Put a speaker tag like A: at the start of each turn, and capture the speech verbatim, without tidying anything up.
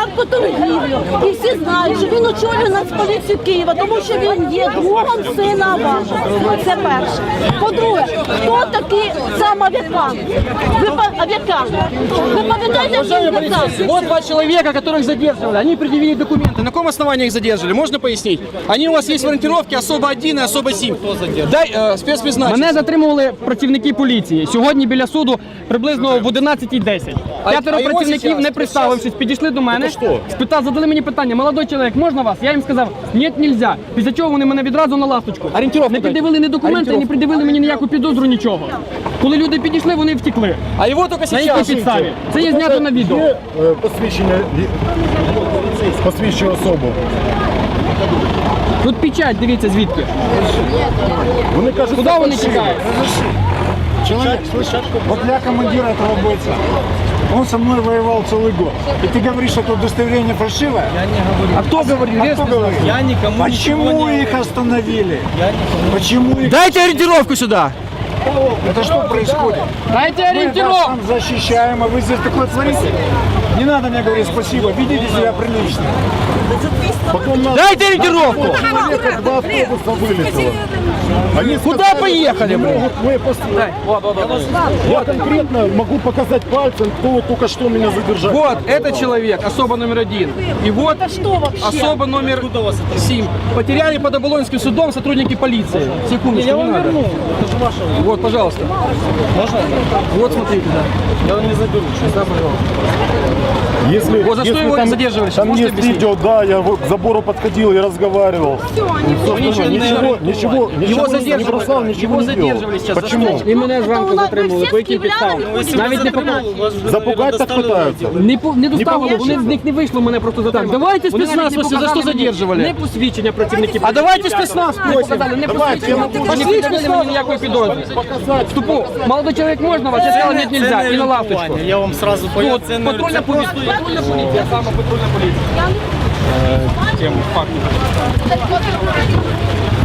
A: легку торгівлю. І всі знають, що він очолює Нацполіцію Києва, тому що він є другом сина Авакова. Це перше. По-друге, хто такий сам Аваков? Ви Аваков. Ви пам'ятаєте, що він казав?
B: Вот два человека, которых задерживали. Они предъявили документы. На каком основании их задерживали? Можно пояснить? Они у вас есть в ориентировке особо один и особо сім. Дай э, спецпризначення.
C: Мене затримували працівники поліції. Сьогодні біля суду приблизно в одинадцятій десять. П'ятеро
B: а його
C: працівників,
B: зараз,
C: не представившись, підійшли до мене,
B: що?
C: спитали, задали мені питання: молодой чоловік, можна вас? Я їм сказав, ні, нельзя. Після чого вони мене відразу на ласточку.
B: Орієнтировку
C: Не
B: дайте.
C: пред'явили ні документи, не
B: Орієнтировку.
C: пред'явили мені ніяку підозру, нічого. Коли люди підійшли, вони втекли.
B: А его только
C: На якій
B: сейчас.
C: підставі? Це є знято на відео.
D: Є е, посвідчення, посвідчує особу.
C: Тут печать, дивіться звідки.
D: Вони кажуть,
C: Куди вони тікають?
D: Человек, слышишь, вот я командир этого бойца. Он со мной воевал целый год. И ты говоришь, что это удостоверение фальшивое?
B: Я не говорю.
C: А хто говорив?
D: А кто говорит?
B: Я никому
D: Почему
B: ничего не
D: их остановили?
B: Я никому.
D: Почему их...
B: Дайте ориентировку сюда.
D: Это что происходит?
C: Дайте
D: Мы вас
C: орієнтировку!
D: там защищаем, а вы здесь такое творите? Не надо мне говорить спасибо, ведите себя прилично. Потом нас...
B: Дайте ориентировку.
D: Человека два автобуса вылетело. Они
B: Куда
D: сказали,
B: поехали,
D: не
B: блин?
D: могут мы посмотреть. Я конкретно могу показать пальцем, кто вот только что меня задержал.
B: Вот, это человек, особо номер один. И вот особо номер семь. Потеряли под Оболонским судом сотрудники полиции. Секундочку, не надо. Вот, пожалуйста. Можно? Вот, смотрите, да. Я вам не заберу. Сейчас, да, пожалуйста.
D: Если,
B: Вот за что
D: если
B: его
D: там,
B: задерживали, сейчас
D: там
B: можете
D: есть
B: объяснить?
D: видео, да, я вот к забору подходил и разговаривал.
B: Ничего,
D: Ничего, ничего, ничего,
B: Его
D: ничего не
B: задерживали.
D: бросал, ничего
B: Его
D: не делал.
B: задерживали сейчас.
D: Почему?
C: І мене зранку
A: Тобто,
C: затримали.
A: ви всі
C: По яким
A: з київлянами
C: підставам?
A: ходите?
C: Навіть не показали.
D: Запугать так пытаются.
C: Не, по- не доставили,
D: Не
C: вони з них не вийшло, мене просто затримали.
B: давайте
C: Вони
B: спецназ,
C: навіть не
B: вас за
C: показали
B: що
C: мені
B: задержували?
C: Не посвідчення працівників.
B: А давайте спецназ
C: Не
B: просим.
C: показали, не
D: Давайте,
C: посвідчення.
D: я
C: Вони не пред'явили мені ніякої підозри. Ступу, молодой чоловік, можна вас? Я сказав, ні, нельзя, і на лавочку.
E: Я вам сразу
C: Тут
E: понял, це не
C: патрульна поліція, патрульна поліція, саме патрульна поліція.
E: тему факту.